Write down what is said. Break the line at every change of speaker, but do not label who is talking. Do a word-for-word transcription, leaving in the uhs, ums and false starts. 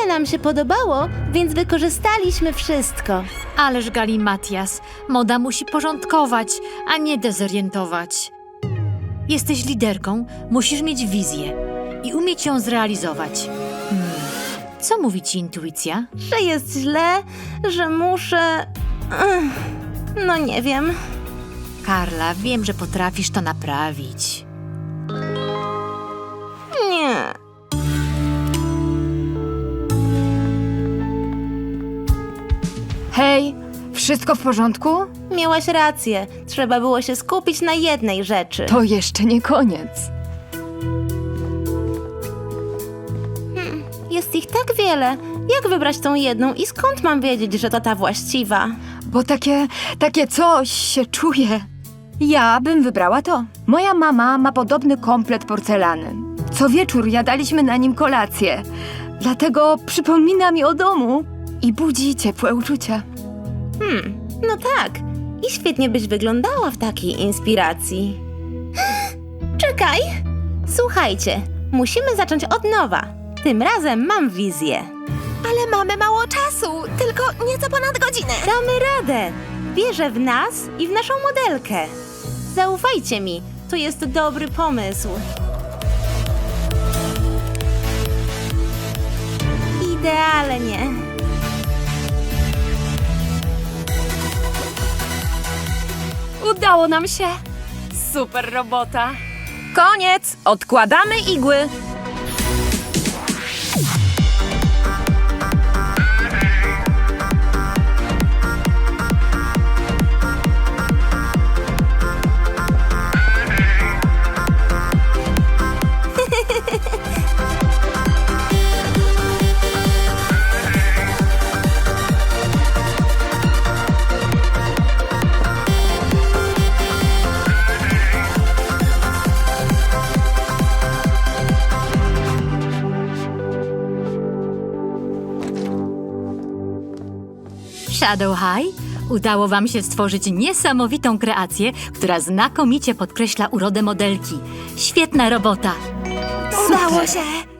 Spotkanie nam się podobało, więc wykorzystaliśmy wszystko.
Ależ galimatias, moda musi porządkować, a nie dezorientować. Jesteś liderką, musisz mieć wizję i umieć ją zrealizować. Hmm. Co mówi ci intuicja?
Że jest źle, że muszę... Ech, no nie wiem.
Karla, wiem, że potrafisz to naprawić.
Nie.
Hej, wszystko w porządku?
Miałaś rację. Trzeba było się skupić na jednej rzeczy.
To jeszcze nie koniec.
Jest ich tak wiele. Jak wybrać tą jedną i skąd mam wiedzieć, że to ta właściwa?
Bo takie, takie coś się czuje. Ja bym wybrała to. Moja mama ma podobny komplet porcelany. Co wieczór jadaliśmy na nim kolację. Dlatego przypomina mi o domu i budzi ciepłe uczucia.
Hmm, no tak. I świetnie byś wyglądała w takiej inspiracji. Czekaj! Słuchajcie, musimy zacząć od nowa. Tym razem mam wizję.
Ale mamy mało czasu, tylko nieco ponad godzinę.
Damy radę! Wierzę w nas i w naszą modelkę. Zaufajcie mi, to jest dobry pomysł. Idealnie.
Udało nam się. Super robota. Koniec. Odkładamy igły.
Shadow High, udało wam się stworzyć niesamowitą kreację, która znakomicie podkreśla urodę modelki. Świetna robota!
Udało się!